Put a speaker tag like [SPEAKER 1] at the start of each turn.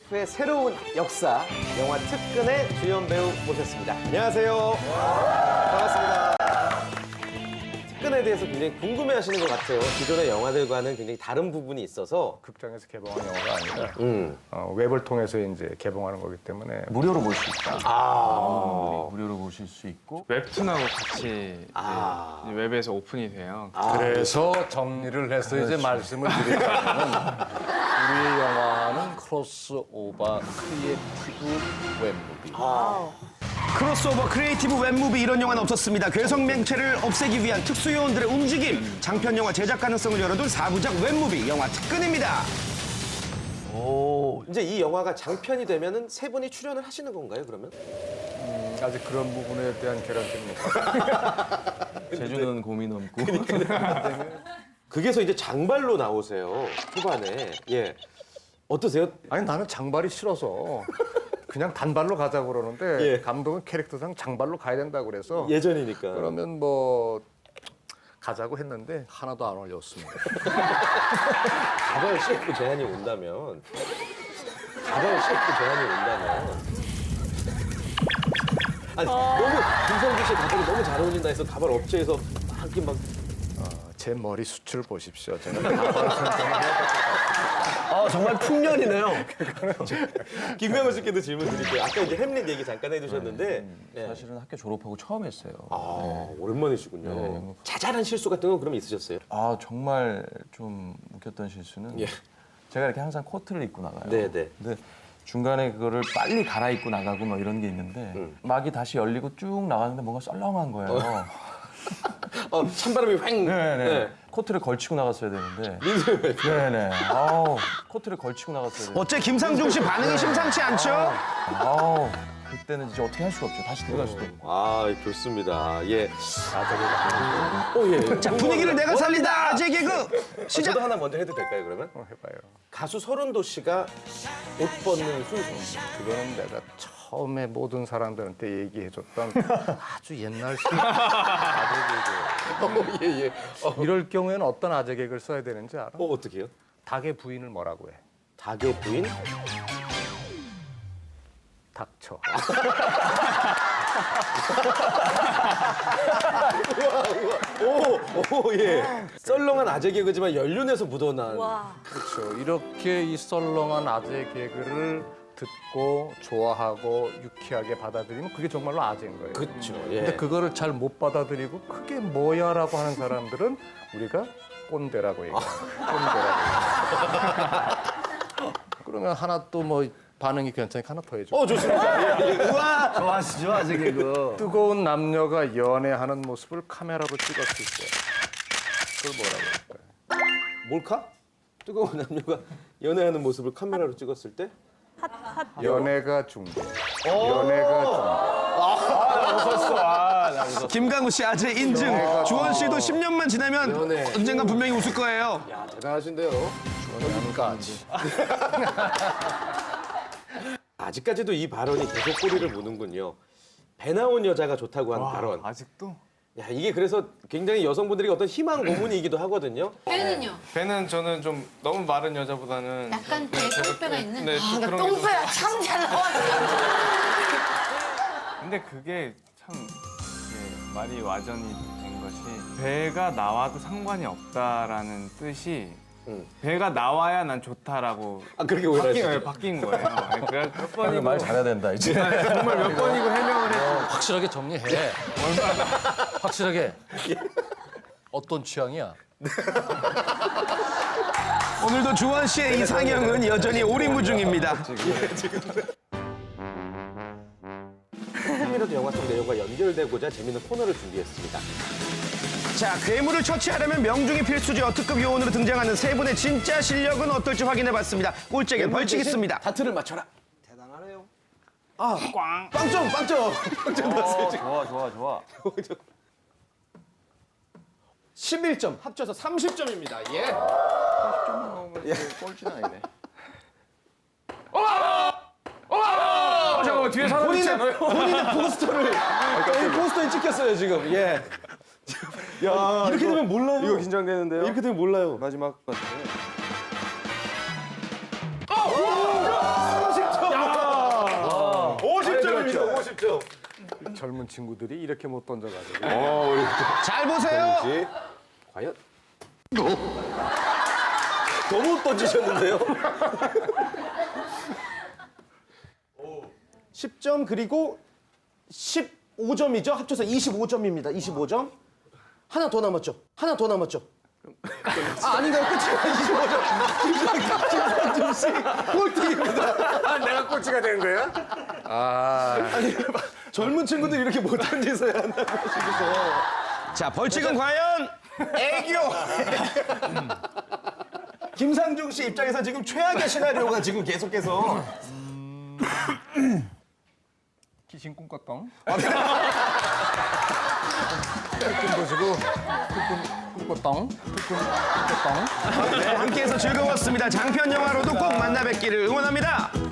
[SPEAKER 1] TF의 새로운 역사, 영화 특근의 주연 배우 모셨습니다. 안녕하세요. 반갑습니다. 특근에 대해서 굉장히 궁금해하시는 것 같아요. 기존의 영화들과는 굉장히 다른 부분이 있어서.
[SPEAKER 2] 극장에서 개봉한 영화가 아니라 웹을 통해서 이제 개봉하는 거기 때문에
[SPEAKER 3] 무료로 볼 수 있다. 무료로 보실 수 있고
[SPEAKER 4] 웹툰하고 같이 이제 웹에서 오픈이 돼요.
[SPEAKER 2] 그래서 정리를 해서 이제 말씀을 드리자면 우리의 영화는 크로스오버 크리에이티브 웹무비.
[SPEAKER 5] 크로스오버 크리에이티브 웹무비 이런 영화는 없었습니다. 괴성 맹체를 없애기 위한 특수 요원들의 움직임, 장편 영화 제작 가능성을 열어둔 4부작 웹무비 영화 특근입니다.
[SPEAKER 1] 오, 이제 이 영화가 장편이 되면은 세 분이 출연을 하시는 건가요, 그러면?
[SPEAKER 2] 아직 그런 부분에 대한 개런티는 없어요.
[SPEAKER 3] 제주는 고민 없고
[SPEAKER 1] 극에서 이제 장발로 나오세요, 초반에. 예. 어떠세요?
[SPEAKER 2] 아니 나는 장발이 싫어서 그냥 단발로 가자고 그러는데
[SPEAKER 1] 예.
[SPEAKER 2] 감독은 캐릭터상 장발로 가야 된다고 그래서
[SPEAKER 1] 예전이니까.
[SPEAKER 2] 그러면 뭐 가자고 했는데 하나도 안 어울렸습니다.
[SPEAKER 1] 가발 CF 제안이 온다면. 아니, 너무 김성규 씨 가발이 너무 잘 어울린다 해서 가발 업체에서 막 이렇게 막.
[SPEAKER 2] 제 머리 숱을 보십시오. 제가 가발
[SPEAKER 5] 정말 풍년이네요.
[SPEAKER 1] 김명훈 씨께도 질문 드릴게요. 아까 이제 햄릿 얘기 잠깐 해주셨는데. 예.
[SPEAKER 3] 사실은 학교 졸업하고 처음 했어요.
[SPEAKER 1] 오랜만이시군요.
[SPEAKER 3] 네.
[SPEAKER 1] 자잘한 실수 같은 건 그럼 있으셨어요?
[SPEAKER 3] 아 정말 좀 웃겼던 실수는
[SPEAKER 1] 예.
[SPEAKER 3] 제가 이렇게 항상 코트를 입고 나가요.
[SPEAKER 1] 네네.
[SPEAKER 3] 근데 중간에 그거를 빨리 갈아입고 나가고 뭐 이런 게 있는데 막이 다시 열리고 쭉 나가는데 뭔가 썰렁한 거예요.
[SPEAKER 1] 찬바람이 휑.
[SPEAKER 3] 네네. 코트를 걸치고 나갔어야 되는데. 네네. 코트를 걸치고 나갔어야 되는데.
[SPEAKER 5] 어째 김상중 씨 반응이 심상치 않죠?
[SPEAKER 3] 그때는 이제 어떻게 할 수가 없죠. 다시 들어갈 수도 없고.
[SPEAKER 1] 아, 좋습니다. 예. 예.
[SPEAKER 5] 자, 분위기를 내가 살린다. 아재 개그 시작.
[SPEAKER 1] 저도 하나 먼저 해도 될까요, 그러면?
[SPEAKER 2] 해봐요.
[SPEAKER 1] 가수 서른도 씨가 옷 벗는 순서.
[SPEAKER 2] 그거는 내가 처음에 모든 사람들한테 얘기해줬던 아주 옛날 아재 개그.
[SPEAKER 1] 예.
[SPEAKER 2] 이럴 경우에는 어떤 아재 개그를 써야 되는지 알아?
[SPEAKER 1] 어떻게 해요?
[SPEAKER 2] 닭의 부인을 뭐라고 해?
[SPEAKER 1] 닭의 부인?
[SPEAKER 2] 닥쳐.
[SPEAKER 1] 오, 예. 썰렁한 아재 개그지만 연륜에서 묻어난.
[SPEAKER 2] 그렇죠. 이렇게 이 썰렁한 아재 개그를 듣고 좋아하고 유쾌하게 받아들이면 그게 정말로 아재인 거예요.
[SPEAKER 1] 그렇죠. 예.
[SPEAKER 2] 근데 그거를 잘 못 받아들이고 그게 뭐야라고 하는 사람들은 우리가 꼰대라고 얘기해요. 꼰대라고. 그러면 하나 또 뭐 반응이 괜찮으니까 하나 더 해줘.
[SPEAKER 1] 좋습니다. 예.
[SPEAKER 5] 우와.
[SPEAKER 3] 좋아하시죠, 아재 개그.
[SPEAKER 2] 뜨거운 남녀가 연애하는 모습을 카메라로 찍었을 때 그걸 뭐라고 할까요?
[SPEAKER 1] 몰카? 뜨거운 남녀가 연애하는 모습을 카메라로 찍었을 때?
[SPEAKER 2] 연애가 중계. 연애가 중계.
[SPEAKER 5] 김강우 씨 아재 인증. 주원 씨도 10년만 지나면
[SPEAKER 1] 연애.
[SPEAKER 5] 언젠가 분명히 웃을 거예요.
[SPEAKER 1] 야, 대단하신데요.
[SPEAKER 2] 연애까지.
[SPEAKER 1] 아직까지도 이 발언이 계속 꼬리를 무는군요. 배 나온 여자가 좋다고 하는 발언.
[SPEAKER 4] 아직도?
[SPEAKER 1] 야, 이게 그래서 굉장히 여성분들에게 어떤 희망 고문이기도 하거든요.
[SPEAKER 6] 배는요?
[SPEAKER 4] 배는 저는 좀 너무 마른 여자보다는
[SPEAKER 6] 약간 뒤에 똥배가 있는?
[SPEAKER 4] 네, 좀 그런 게 좀-
[SPEAKER 6] 똥배가 참 잘 나왔어.
[SPEAKER 4] 근데 그게 참 말이 와전이 된 것이 배가 나와도 상관이 없다라는 뜻이 배가 나와야 난 좋다라고
[SPEAKER 1] 그렇게 오해하시죠?
[SPEAKER 4] 바뀐 거예요. 그래서 몇 번이고
[SPEAKER 3] 말 잘해야 된다 이제.
[SPEAKER 4] 정말 몇 번이고 해명을 했죠.
[SPEAKER 2] 확실하게 정리해. 확실하게. 어떤 취향이야?
[SPEAKER 5] 오늘도 주원 씨의 이상형은 여전히 오리무중입니다.
[SPEAKER 1] 조금이라도 영화 속 내용과 연결되고자 재밌는 코너를 준비했습니다.
[SPEAKER 5] 자, 괴물을 처치하려면 명중이 필수죠. 특급 요원으로 등장하는 세 분의 진짜 실력은 어떨지 확인해봤습니다. 꼴찌에겐 벌칙 있습니다.
[SPEAKER 1] 다트를 맞춰라. 대단하네요. 빵점 났어요, 지금.
[SPEAKER 3] 좋아.
[SPEAKER 1] 11점, 합쳐서 30점입니다. 예.
[SPEAKER 3] 꼴찌는 아니네.
[SPEAKER 4] 잠깐만 뒤에 사람 있지 않아요?
[SPEAKER 1] 본인의 포스터를 여기 포스터에 찍혔어요, 지금. 예. 야, 이렇게 되면 몰라요.
[SPEAKER 3] 이거 긴장되는데요?
[SPEAKER 1] 이렇게 되면 몰라요.
[SPEAKER 3] 마지막 같은데.
[SPEAKER 2] 젊은 친구들이 이렇게 못 던져가지고.
[SPEAKER 5] 잘 보세요.
[SPEAKER 1] 씨, 과연? 너무 던지셨는데요? 10점 그리고 15점이죠? 합쳐서 25점입니다. 25점. 하나 더 남았죠? 하나 더 남았죠? 아닌가요? 끝이에요. 25점. 김상중 씨 꼴등입니다.
[SPEAKER 2] 내가 꼴찌가 된 거야?
[SPEAKER 1] 아니, 젊은 친구들 이렇게 못 던지서야 한다고 하시면서.
[SPEAKER 5] 자, 벌칙은 과연
[SPEAKER 1] 애교! 김상중 씨 입장에서 지금 최악의 시나리오가 지금 계속해서.
[SPEAKER 2] 귀신 꿈꿨던. 꿈 보시고 꿈꿨던.
[SPEAKER 5] 네, 함께해서 즐거웠습니다. 장편 영화로도 꼭 만나 뵙기를 응원합니다.